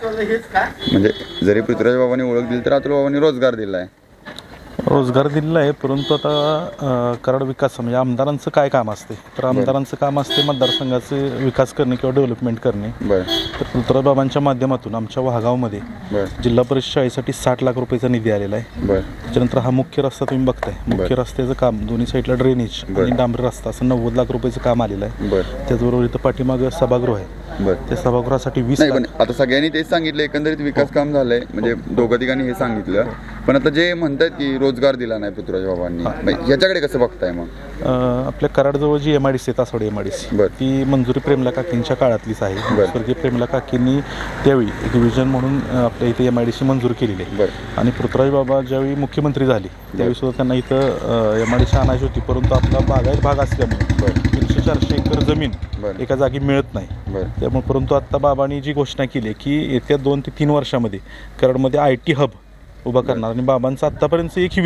[SPEAKER 1] म्हणजे जरी पृथ्वीराज बाबांनी ओळख दिली तर अतुल बाबांनी रोजगार दिलाय.
[SPEAKER 9] रोजगार दिलेला आहे परंतु आता अ, कराड विकास म्हणजे आमदारांचं काय काम असते तर आमदारांचं काम असते मतदारसंघाचे विकास करणे किंवा डेव्हलपमेंट करणे.
[SPEAKER 1] बरं.
[SPEAKER 9] तर पृथ्वीराज बाबांच्या माध्यमातून आमच्या वाघावमध्ये
[SPEAKER 1] बरं.
[SPEAKER 9] जिल्हा परिषद शाळेसाठी साठ लाख रुपयाचा निधी आलेला आहे.
[SPEAKER 1] बरं.
[SPEAKER 9] त्याच्यानंतर हा मुख्य रस्ता तुम्ही बघताय मुख्य रस्त्याचं काम दोन्ही साईडला ड्रेनेज आणि डांबरी रस्ता असं नव्वद लाख रुपयाचं काम आलेलं आहे.
[SPEAKER 1] बरं.
[SPEAKER 9] त्याचबरोबर इथं पाठीमागं सभागृह आहे.
[SPEAKER 1] बरं.
[SPEAKER 9] त्या सभागृहासाठी वीस
[SPEAKER 1] नाही
[SPEAKER 9] लाख
[SPEAKER 1] पण आता सगळ्यांनी तेच सांगितलं एकंदरीत विकास काम झालंय म्हणजे दोघं तिघांनी हे सांगितलं पण आता जे म्हणतात की रोजगार दिला नाही पृथ्वीराज बाबांनी मग याच्याकडे कसं बघताय मग?
[SPEAKER 9] अ, आपल्या कराडजवळ जी एम आय डी सी आहे Taswadi M I D C
[SPEAKER 1] बरं.
[SPEAKER 9] ती मंजुरी प्रेमला काकींच्या काळातलीच आहे.
[SPEAKER 1] बरं.
[SPEAKER 9] स्वर्गीय प्रेमला काकींनी त्यावेळी एक विजन म्हणून अ, आपल्या इथे एम आय डी सी मंजूर केलेली आहे.
[SPEAKER 1] बरं.
[SPEAKER 9] आणि पृथ्वीराज बाबा ज्यावेळी मुख्यमंत्री झाले त्यावेळी सुद्धा त्यांना इथं एम आय डी सी आणायची होती परंतु आपला बागायत भाग असल्यामुळे तीनशे चारशे एकर जमीन
[SPEAKER 1] बरं.
[SPEAKER 9] एका जागी मिळत नाही.
[SPEAKER 1] बरं.
[SPEAKER 9] त्यामुळे परंतु आत्ता बाबांनी जी घोषणा केली आहे की येत्या दोन ते तीन वर्षामध्ये कराडमध्ये आय टी हब उभा करणार आणि बाबांचं आत्तापर्यंतचं एकही विधान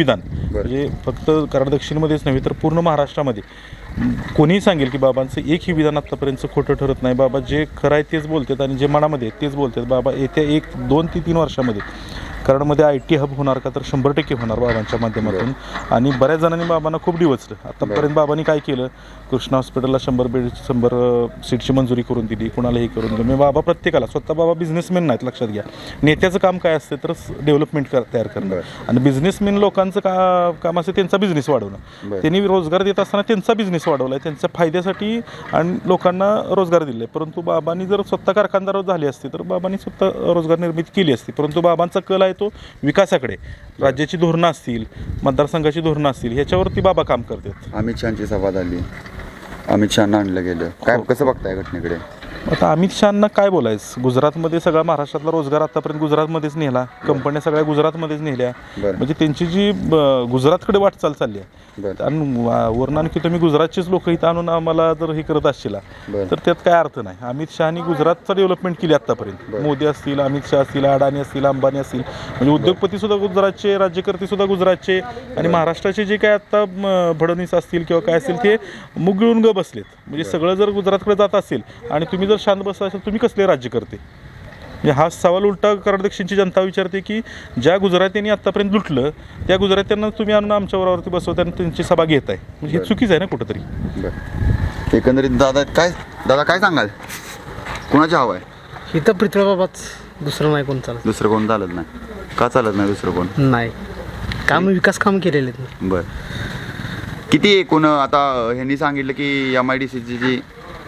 [SPEAKER 9] म्हणजे फक्त कराड दक्षिणमध्येच नव्हे तर पूर्ण महाराष्ट्रामध्ये कोणीही सांगेल की बाबांचं एकही विधान आत्तापर्यंत खोटं ठरत नाही. बाबा जे खरं आहे तेच बोलतात आणि जे मनामध्ये आहे तेच बोलतात. बाबा येत्या एक दोन ते तीन वर्षामध्ये कराडमध्ये आय टी हब होणार का तर शंभर टक्के होणार बाबांच्या माध्यमातून. आणि बऱ्याच जणांनी बाबांना खूप डिवचलं. आतापर्यंत बाबांनी काय केलं, कृष्णा हॉस्पिटलला शंभर बेड शंभर सीटची मंजुरी करून दिली, कुणालाही करून दिली. मी बाबा प्रत्येकाला, स्वतः बाबा बिझनेसमॅन नाहीत लक्षात घ्या. नेत्याचं काम काय असतं तर डेव्हलपमेंट कर तयार करणं आणि बिझनेसमॅन लोकांचं का काम असतं त्यांचा बिझनेस वाढवणं. त्यांनी रोजगार देत असताना त्यांचा बिझनेस वाढवला आहे, त्यांच्या फायद्यासाठी आणि लोकांना रोजगार दिले. परंतु बाबांनी जर स्वतः कारखानदार झाले असते तर बाबांनी स्वतः रोजगार निर्मिती केली असती. परंतु बाबांचा कल आहे तो विकासाकडे. राज्याची धोरणं असतील, मतदारसंघाची धोरणं असतील, ह्याच्यावरती बाबा काम करतात.
[SPEAKER 1] अमित शहाची सभा झाली, अमित शहाना आणलं गेलं, काय कसं बघताय घटनेकडे?
[SPEAKER 9] आता अमित शहाना काय बोलायचं, गुजरातमध्ये सगळा महाराष्ट्रातला रोजगार आतापर्यंत गुजरातमध्येच नेला, कंपन्या सगळ्या गुजरातमध्येच नेल्या. म्हणजे त्यांची जी गुजरातकडे वाटचाल चालली आहे आणि वरून आणखी तुम्ही गुजरातचेच लोक इथं आणून आम्हाला जर हे करत असशील तर त्यात काय अर्थ नाही. अमित शहानी गुजरातचं डेव्हलपमेंट केली आतापर्यंत. मोदी असतील, अमित शहा असतील, अडाणी असतील, अंबानी असतील, म्हणजे उद्योगपती सुद्धा गुजरातचे, राज्यकर्ते सुद्धा गुजरातचे आणि महाराष्ट्राचे जे काय आता फडणवीस असतील किंवा काय असतील ते मुग गिळून ग बसलेत. म्हणजे सगळं जर गुजरातकडे जात असेल आणि तुम्ही जर शांत बसला असेल तुम्ही कसले राज्य करते. म्हणजे हा सवाल उलटा कराड दक्षिणची जनता विचारते की ज्या गुजरात्यांनी आतापर्यंत लुटलं त्या गुजरात्यांना तुम्ही आणून आमच्यावरती बसवता आणि त्यांची सभा घेताय, म्हणजे हे चुकीचं आहे ना कुठंतरी.
[SPEAKER 1] एकंदरीत दादा काय दादा काय सांगाल, कोणाची हवा आहे?
[SPEAKER 10] इथं पृथ्वीबाबाच, दुसरं नाही कोण चालत.
[SPEAKER 1] दुसरं कोण चालत नाही? का चालत नाही दुसरं कोण?
[SPEAKER 10] नाही, काम विकास काम केलेले आहेत.
[SPEAKER 1] बर, किती एकूण आता ह्यांनी सांगितलं की एम आय डी सीची जी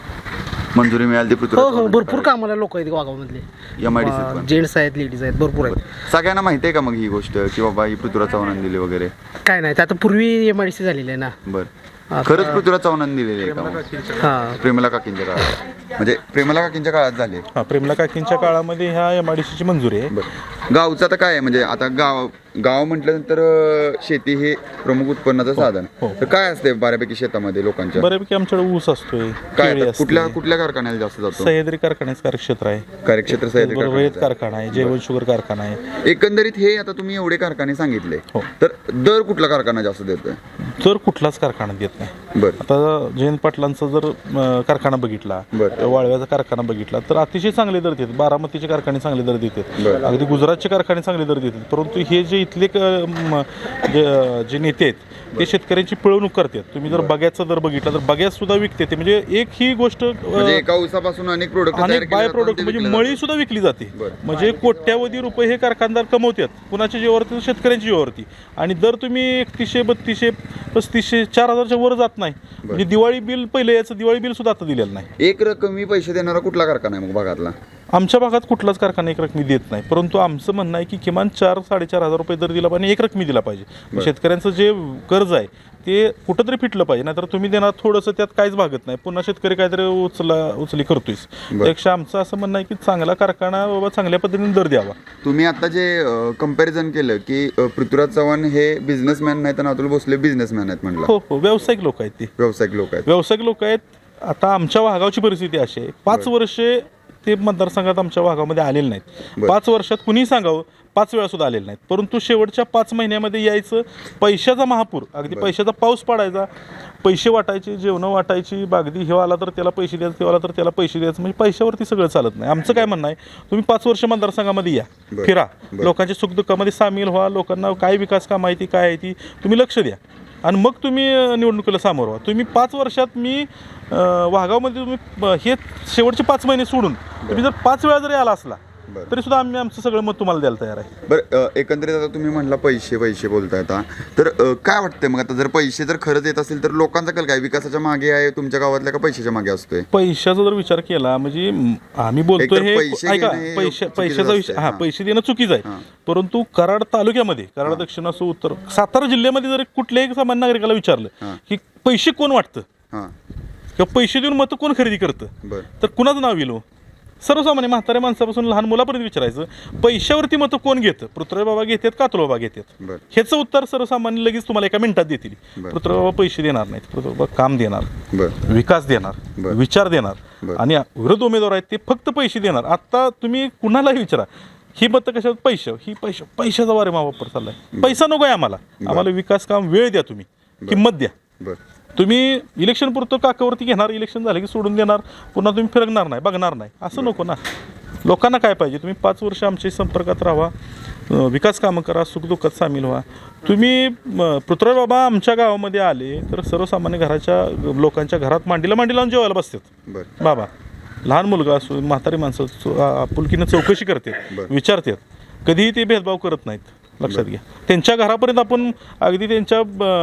[SPEAKER 1] मंजुरी मिळाली ती
[SPEAKER 10] हो
[SPEAKER 1] पृथ्वी
[SPEAKER 10] हो भरपूर कामाला लोक आहेत वाघावमधले,
[SPEAKER 1] M I D C
[SPEAKER 10] gents आहेत, लेडीज आहेत, भरपूर आहेत.
[SPEAKER 1] सगळ्यांना माहिती आहे का मग ही गोष्ट की बाबा ही पृथ्वीराज चव्हाणांनी दिली वगैरे?
[SPEAKER 10] काय नाही, आता पूर्वी एम आय डी सी झालेली आहे ना.
[SPEAKER 1] बर, खरंच पृथ्वीराज चव्हाणांनी दिलेली आहे का मग?
[SPEAKER 10] हां,
[SPEAKER 1] प्रेमला काकींच्या काळात, म्हणजे प्रेमला काकींच्या काळात झाले.
[SPEAKER 9] हां, प्रेमला काकींच्या काळामध्ये ह्या एम आय डी सीची मंजुरी आहे.
[SPEAKER 1] बरं, गावचं आता काय आहे, म्हणजे आता गाव गाव म्हटल्यानंतर अं, शेती हे प्रमुख उत्पन्नाचं साधन. तर काय असते बऱ्यापैकी शेतामध्ये लोकांच्या?
[SPEAKER 9] बऱ्यापैकी आमच्याकडे ऊस असतोय,
[SPEAKER 1] काय
[SPEAKER 9] केळी
[SPEAKER 1] आता कुठल्या
[SPEAKER 9] असते,
[SPEAKER 1] कुठल्या कारखान्याला जास्त जातो?
[SPEAKER 9] सह्याद्री कारखान्याचं कार्यक्षेत्र आहे,
[SPEAKER 1] कार्यक्षेत्र सह्याद्री
[SPEAKER 9] रयत
[SPEAKER 1] कारखान्याचं.
[SPEAKER 9] कारखाना आहे, जैवन शुगर कारखाना आहे.
[SPEAKER 1] एकंदरीत हे आता तुम्ही एवढे कारखाने सांगितले,
[SPEAKER 9] हो.
[SPEAKER 1] तर दर कुठला कारखाना जास्त देतोय?
[SPEAKER 9] तर कुठलाच कारखाना देत नाही.
[SPEAKER 1] बरं,
[SPEAKER 9] आता जयंत पाटलांचा जर अं, कारखाना बघितला,
[SPEAKER 1] बरं.
[SPEAKER 9] वाळव्याचा कारखाना बघितला तर अतिशय चांगले दर देतात. बारामतीचे कारखाने चांगले दर देतात,
[SPEAKER 1] बरं.
[SPEAKER 9] अगदी गुजरातचे कारखाने चांगले दर देतात. परंतु हे जे इथले क- म, जे जे नेते आहेत ते शेतकऱ्यांची पिळवणूक करतात. तुम्ही जर बग्याचा दर बघितला तर बग्यात सुद्धा विकते ते, म्हणजे एक ही गोष्ट अं,
[SPEAKER 1] म्हणजे एका ऊसापासून अनेक प्रोडक्ट
[SPEAKER 9] अनेक बाय प्रोडक्ट म्हणजे मळी सुद्धा विकली जाते.
[SPEAKER 1] बरं.
[SPEAKER 9] म्हणजे कोट्यावधी रुपये हे कारखानदार कमवतात कुणाच्या जीवावरती, शेतकऱ्यांच्या जीवावरती. आणि दर तुम्ही एकतीसशे बत्तीसशे पस्तीसशे चार हजारच्या वर जात नाही. म्हणजे दिवाळी बिल पहिले याचं दिवाळी बिल सुद्धा आता दिलेलं नाही.
[SPEAKER 1] एक रकमी पैसे देणारा कुठला कारखाना आहे मग भागातला?
[SPEAKER 9] आमच्या भागात कुठलाच कारखाना एक रकमी देत नाही. परंतु आमचं म्हणणं आहे की किमान चार साडेचार हजार रुपये दर दिला पाहिजे, एक रकमी दिला पाहिजे. शेतकऱ्यांचं जे कर्ज आहे ते कुठंतरी फिटलं पाहिजे, नाहीतर तुम्ही देणार थोडंसं त्यात काहीच भागत नाही, पुन्हा शेतकरी काहीतरी उचला उचली करतोयस. त्यापेक्षा आमचं असं म्हणणं आहे की चांगला कारखाना बाबा चांगल्या पद्धतीने दर द्यावा.
[SPEAKER 1] तुम्ही आता जे कंपॅरिझन केलं की अ, पृथ्वीराज चव्हाण हे बिझनेसमॅन नाहीत आणि अतुल भोसले बिझनेसमॅन आहेत म्हणलं.
[SPEAKER 9] हो हो, व्यावसायिक लोक आहेत ते,
[SPEAKER 1] व्यावसायिक लोक आहेत.
[SPEAKER 9] व्यावसायिक लोक आहेत. आता आमच्या वाघावची परिस्थिती अशी आहे, पाच वर्षे ते मतदारसंघात आमच्या भागामध्ये आलेले नाहीत. पाच वर्षात कुणीही सांगावं पाच वेळा सुद्धा आलेले नाहीत. परंतु शेवटच्या पाच महिन्यामध्ये यायचं, पैशाचा महापूर, अगदी पैशाचा पाऊस पडायचा, पैसे वाटायचे, जेवणं वाटायची, अगदी हे आला तर त्याला पैसे द्यायचं, ते आला तर त्याला पैसे द्यायचं, म्हणजे पैशावरती सगळं चालत नाही. आमचं काय म्हणणं आहे, तुम्ही पाच वर्ष मतदारसंघामध्ये या, फिरा, लोकांच्या सुखदुःखामध्ये सामील व्हा, लोकांना काय विकास काम आहे ती काय आहे ती तुम्ही लक्ष द्या आणि मग तुम्ही निवडणुकीला सामोरं व्हा. तुम्ही पाच वर्षात मी वाघावमध्ये तुम्ही हे शेवटचे पाच महिने सोडून तुम्ही जर पाच वेळा जरी आला असला तरी सुद्धा आम्ही आमचं सगळं मत तुम्हाला द्यायला तयार आहे.
[SPEAKER 1] बरं, एकंदरीत आता तुम्ही म्हटलं पैसे पैसे बोलताय आता, तर अ, काय वाटतंय मग आता जर पैसे जर खरंच येत असेल तर लोकांचा कल काय, विकासाच्या मागे आहे तुमच्या गावातल्या का पैशाच्या मागे असतोय?
[SPEAKER 9] पैशाचा जर विचार केला म्हणजे म, आम्ही बोलतोय
[SPEAKER 1] एकतर
[SPEAKER 9] हे
[SPEAKER 1] पैसे
[SPEAKER 9] ऐका,
[SPEAKER 1] घेणं हे
[SPEAKER 9] पैशा
[SPEAKER 1] चुकीचं
[SPEAKER 9] पैशाचा विषय,
[SPEAKER 1] असतंय.
[SPEAKER 9] हा
[SPEAKER 1] हां.
[SPEAKER 9] पैसे देणं चुकीचं आहे. परंतु कराड तालुक्यामध्ये, कराड दक्षिण असो उत्तर, सातारा जिल्ह्यामध्ये जर कुठल्याही सामान्य नागरिकाला विचारलं की पैसे कोण वाटतं
[SPEAKER 1] हां,
[SPEAKER 9] किंवा पैसे देऊन मतं कोण खरेदी करतं,
[SPEAKER 1] बरं,
[SPEAKER 9] तर कुणाचं नाव येईल? सर्वसामान्य म्हाताऱ्या माणसापासून लहान मुलापर्यंत विचारायचं, पैशावरती मतं कोण घेतं? पृथ्वी बाबा घेतात का अतुल बाबा घेतात?
[SPEAKER 1] बरं,
[SPEAKER 9] ह्याचं उत्तर सर्वसामान्य लगेच तुम्हाला एका मिनिटात देतील.
[SPEAKER 1] बरं.
[SPEAKER 9] पृथ्वी बाबा पैसे देणार नाहीत, पृथ्वी बाबा काम देणार,
[SPEAKER 1] बरं,
[SPEAKER 9] विकास देणार,
[SPEAKER 1] बरं.
[SPEAKER 9] विचार देणार.
[SPEAKER 1] बरं.
[SPEAKER 9] आणि विरोध उमेदवार आहेत ते फक्त पैसे देणार. आता तुम्ही कुणालाही विचारा, ही मतं कशा पैसे ही पैसे पैशाचा वारे वापर चाललाय. पैसा नको आहे आम्हाला, आम्हाला विकास काम वेळ द्या, तुम्ही किंमत द्या.
[SPEAKER 1] बरं
[SPEAKER 9] तुम्ही इलेक्शन पुरतं काकावरती घेणार, इलेक्शन झालं की सोडून देणार, पुन्हा तुम्ही फिरकणार नाही, बघणार नाही, असं नको ना. लोकांना काय पाहिजे, तुम्ही पाच वर्ष आमच्या संपर्कात राहा, अं, विकास कामं करा, सुखदुःखात सामील व्हा. तुम्ही अं, पृथ्वीराज बाबा आमच्या गावामध्ये आले तर सर्वसामान्य घराच्या लोकांच्या घरात मांडीला मांडी लावून जेवायला बसतात.
[SPEAKER 1] बरं
[SPEAKER 9] बाबा लहान मुलगा असो, म्हातारी माणसं असो, आ- आपुलकीनं चौकशी करतात,
[SPEAKER 1] बरं.
[SPEAKER 9] विचारतात, कधीही ते भेदभाव करत नाहीत. लक्षात घ्या, त्यांच्या घरापर्यंत आपण अगदी त्यांच्या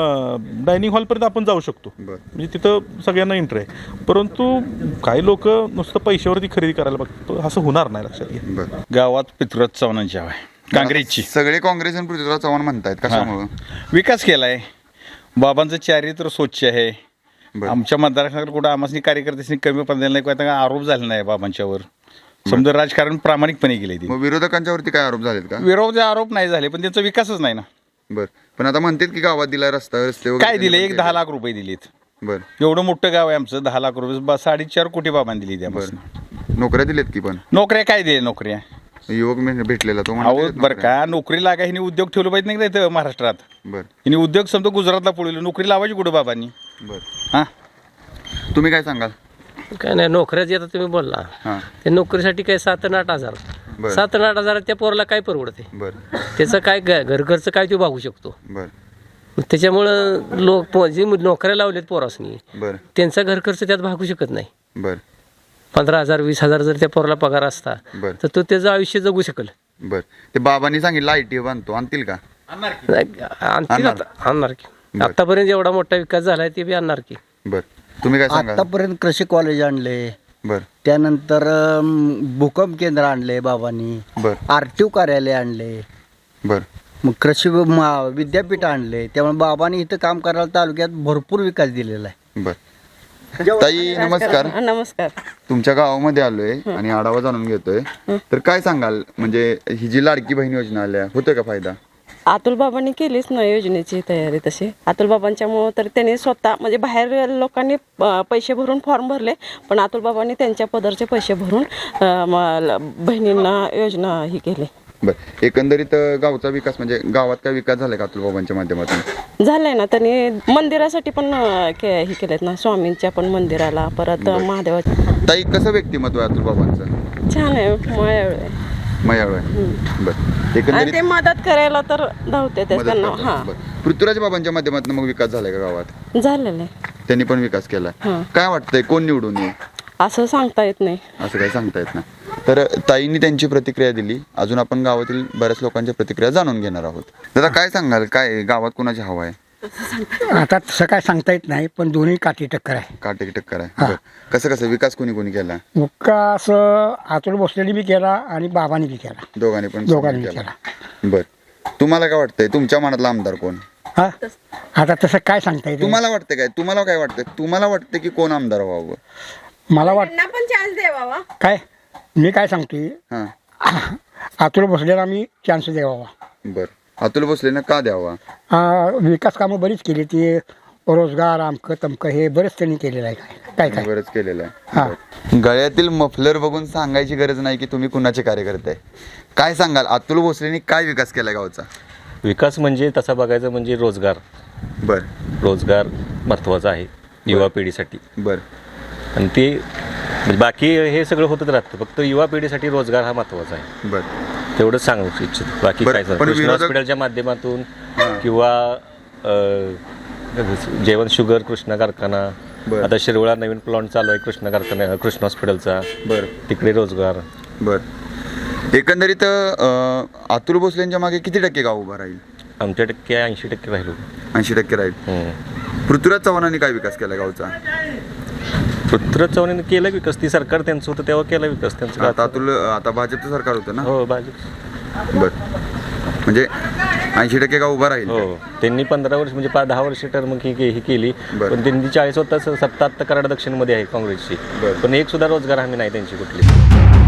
[SPEAKER 9] डायनिंग हॉलपर्यंत आपण जाऊ शकतो,
[SPEAKER 1] बरं
[SPEAKER 9] म्हणजे तिथं सगळ्यांना एंट्री आहे. परंतु काही लोक नुसतं पैशावरती खरेदी करायला बघतात, असं होणार नाही. लक्षात घ्या.
[SPEAKER 1] बरं
[SPEAKER 11] गावात पृथ्वीराज चव्हाणांची हवा आहे, काँग्रेसची.
[SPEAKER 1] सगळे काँग्रेस आणि पृथ्वीराज चव्हाण म्हणतायत, कशामुळं?
[SPEAKER 11] विकास केलाय, बाबांचं चारित्र्य स्वच्छ आहे.
[SPEAKER 1] बरं.
[SPEAKER 11] आमच्या मतदारसंघात कुठं आम्हाला कार्यकर्त्यांनी कमी पडलेला नाही, काही आरोप झाले नाही बाबांच्यावर. समजा राजकारण प्रामाणिकपणे केले ते.
[SPEAKER 1] मग विरोधकांच्या वरती काय आरोप झालेत का?
[SPEAKER 11] विरोध आरोप नाही झाले, पण त्यांचा विकासच नाही ना.
[SPEAKER 1] बरं पण आता म्हणतात की गावात दिलाय रस्ता रस्ते वगैरे
[SPEAKER 11] काय दिले?
[SPEAKER 1] त्यांनी
[SPEAKER 11] एक
[SPEAKER 1] पण
[SPEAKER 11] दहा
[SPEAKER 1] केले.
[SPEAKER 11] लाख रुपये दिलेत.
[SPEAKER 1] बरं
[SPEAKER 11] एवढं मोठं गाव आहे आमचं, दहा लाख रुपये बा- साडेचार कोटी बाबांनी दिली त्यापासून.
[SPEAKER 1] बरं नोकऱ्या दिलेत की पण
[SPEAKER 11] नोकऱ्या काय दिल्या? नोकऱ्या
[SPEAKER 1] युवक मे- भेटलेला तो म्हणतो
[SPEAKER 11] अहो
[SPEAKER 1] दिलेत
[SPEAKER 11] बरं
[SPEAKER 1] नोकऱ्या.
[SPEAKER 11] का, नोकरी लागा हिने उद्योग ठेवलं पाहिजे नाही का इथं महाराष्ट्रात.
[SPEAKER 1] बरं
[SPEAKER 11] हिने उद्योग समजा गुजरातला पळवलं, नोकरी लावायची कुठं बाबांनी?
[SPEAKER 1] बरं
[SPEAKER 11] हां
[SPEAKER 1] तुम्ही काय सांगाल?
[SPEAKER 2] काय नाही, नोकऱ्याची आता तुम्ही बोलला,
[SPEAKER 1] हां
[SPEAKER 2] ते नोकरीसाठी काय सात आणि आठ हजार
[SPEAKER 1] बरं.
[SPEAKER 2] सात आणि आठ हजार त्या पोराला काय परवडते?
[SPEAKER 1] बरं
[SPEAKER 2] त्याचं काय ग- घर खर्च काय तो भागू शकतो.
[SPEAKER 1] बरं
[SPEAKER 2] त्याच्यामुळं लोक पो- जे नोकऱ्या लावलेत पोरासनी,
[SPEAKER 1] बरं
[SPEAKER 2] त्यांचा घर खर्च त्यात भागू शकत नाही.
[SPEAKER 1] बरं
[SPEAKER 2] पंधरा हजार वीस हजार जर त्या पोराला पगार असता
[SPEAKER 1] बरं
[SPEAKER 2] तर तो त्याचं आयुष्य जगू शकेल.
[SPEAKER 1] बरं ते बाबांनी सांगितलं आय टी बांधतो, आणतील का?
[SPEAKER 2] नाही, आणतील
[SPEAKER 1] आणणार.
[SPEAKER 2] आता, आणणार की.
[SPEAKER 1] बरं.
[SPEAKER 2] आतापर्यंत एवढा मोठा विकास झालाय ते बी आणणार की.
[SPEAKER 1] बरं तुम्ही काय सांगाल?
[SPEAKER 4] आतापर्यंत कृषी कॉलेज आणले,
[SPEAKER 1] बरं
[SPEAKER 4] त्यानंतर अम, भूकंप केंद्र आणले बाबांनी,
[SPEAKER 1] बरं
[SPEAKER 4] आर टी ओ कार्यालय आणले,
[SPEAKER 1] बरं
[SPEAKER 4] मग कृषी व- मा- विद्यापीठ आणले. त्यामुळे बाबांनी इथं काम करायला तालुक्यात भरपूर विकास दिलेला आहे.
[SPEAKER 1] बरं ताई नमस्कार.
[SPEAKER 12] नमस्कार.
[SPEAKER 1] तुमच्या गावामध्ये आलोय आणि आढावा जाणून घेतोय, तर काय सांगाल, म्हणजे ही जी लाडकी बहीण योजना आल्या, होतोय का फायदा?
[SPEAKER 12] अतुल बाबांनी केलीच ना योजनेची तयारी तशी. अतुल बाबांच्यामुळं तर त्यांनी स्वतः म्हणजे बाहेर लोकांनी अं, पैसे भरून फॉर्म भरले, पण अतुल बाबांनी त्यांच्या पदरचे पैसे भरून अं, म- बहिणींना योजना ही केली.
[SPEAKER 1] बरं एकंदरीत अं, गावचा विकास म्हणजे गावात काय विकास झालाय का अतुल बाबांच्या माध्यमातून?
[SPEAKER 12] झालंय ना, त्यांनी मंदिरासाठी पण अं, के हे केलेत ना, स्वामींच्या पण मंदिराला, परत महादेवाच्या.
[SPEAKER 1] ताई कसं व्यक्तिमत्व आहे अतुल बाबांचं?
[SPEAKER 12] छान आहे, मयाळू आहे.
[SPEAKER 1] मयाळू आहे. बरं
[SPEAKER 12] आणि
[SPEAKER 1] एकंदरीत
[SPEAKER 12] ते मदत करायला तर धावते ते
[SPEAKER 1] मदत
[SPEAKER 12] त्यांना.
[SPEAKER 1] करतात.
[SPEAKER 12] हां
[SPEAKER 1] बरं. पृथ्वीराज बाबांच्या माध्यमातून मग विकास झालाय का गावात?
[SPEAKER 12] झालेलं आहे.
[SPEAKER 1] त्यांनी पण विकास केलाय.
[SPEAKER 12] हां.
[SPEAKER 1] काय वाटतंय कोण निवडून येईल
[SPEAKER 12] असं सांगता येत नाही.
[SPEAKER 1] असं काही सांगता येत नाही. तर ताईंनी त्यांची प्रतिक्रिया दिली, अजून आपण गावातील बऱ्याच लोकांच्या प्रतिक्रिया जाणून घेणार आहोत. दादा काय सांगाल, काय गावात कोणाची हवा आहे?
[SPEAKER 4] आता तसं काय सांगता येत नाही, पण दोन्ही काठी टक्कर आहे.
[SPEAKER 1] काटेकी टक्कर आहे. बरं. कसं कसं विकास कोणी कोणी केला?
[SPEAKER 4] विकास अतुल भोसलेनी बी केला आणि बाबांनी बी केला,
[SPEAKER 1] दोघांनी पण
[SPEAKER 4] दोघांनी
[SPEAKER 1] केला.
[SPEAKER 4] केला.
[SPEAKER 1] बर तुम्हाला काय वाटतंय, तुमच्या मनातला आमदार कोण?
[SPEAKER 4] हा आता तसं काय सांगता येत
[SPEAKER 1] तुम्हाला वाटतंय काय, तुम्हाला काय वाटतंय, तुम्हाला वाटतं की कोण आमदार व्हावं?
[SPEAKER 4] मला वाट
[SPEAKER 12] त्यांना पण चान्स द्यावा.
[SPEAKER 4] काय मी काय सांगतोय,
[SPEAKER 1] हां
[SPEAKER 4] अतुल भोसलेला मी चान्स द्यावा.
[SPEAKER 1] बर अतुल भोसलेनं का द्यावा?
[SPEAKER 4] आ, विकास कामं बरीच केली, ते रोजगार आमकं तमकं हे बरेच त्यांनी केलेलं आहे. काय काय काय
[SPEAKER 1] बरंच केलेलं
[SPEAKER 4] हा.
[SPEAKER 1] आहे. गळ्यातील मफलर बघून सांगायची गरज नाही की तुम्ही कुणाचे कार्यकर्ते आहे. काय सांगाल, अतुल भोसलेनी काय विकास केला गावचा?
[SPEAKER 13] विकास म्हणजे तसा बघायचा म्हणजे रोजगार.
[SPEAKER 1] बर
[SPEAKER 13] रोजगार महत्त्वाचा आहे युवा पिढीसाठी.
[SPEAKER 1] बर
[SPEAKER 13] आणि ते म्हणजे बाकी हे सगळं होतच राहतं, फक्त युवा पिढीसाठी रोजगार हा महत्त्वाचा आहे.
[SPEAKER 1] बर
[SPEAKER 13] तेवढंच सांगू इच्छितो, बाकी
[SPEAKER 1] बरं,
[SPEAKER 13] काय
[SPEAKER 1] पण
[SPEAKER 13] कृष्ण
[SPEAKER 1] विरोधक-
[SPEAKER 13] हॉस्पिटलच्या माध्यमातून किंवा अ, जेवण शुगर कृष्णा कारखाना,
[SPEAKER 1] बरं.
[SPEAKER 13] आता शिरवळा नवीन प्लॉन्ट चालू आहे कृष्णा कारखाना कृष्ण हॉस्पिटलचा,
[SPEAKER 1] बर
[SPEAKER 13] तिकडे रोजगार.
[SPEAKER 1] बर एकंदरीत अं, अतुल भोसलेंच्या मागे किती टक्के गाव उभा राहील?
[SPEAKER 13] आमच्या टक्के ऐंशी टक्के राहिलो.
[SPEAKER 1] ऐंशी टक्के राहील.
[SPEAKER 13] हम्म.
[SPEAKER 1] पृथ्वीराज चव्हाणांनी काय विकास केला गावचा?
[SPEAKER 13] पृथ्वीराज चव्हाणांनी केला विकास, ती सरकार त्यांचं होतं तेव्हा केला विकास त्यांचं.
[SPEAKER 1] आता अतुल आता भाजपचं सरकार होतं ना?
[SPEAKER 13] हो भाजप.
[SPEAKER 1] बर म्हणजे ऐंशी टक्के गाव उभा राहील.
[SPEAKER 13] हो त्यांनी पंधरा वर्ष म्हणजे पाच दहा वर्ष टर्म ही ही केली,
[SPEAKER 1] बरं.
[SPEAKER 13] पण त्यांनी चाळीस होता सत्ता आत्ता कराड दक्षिणमध्ये आहे काँग्रेसची,
[SPEAKER 1] बरं.
[SPEAKER 13] पण एक सुद्धा रोजगार हमी नाही त्यांची कुठली.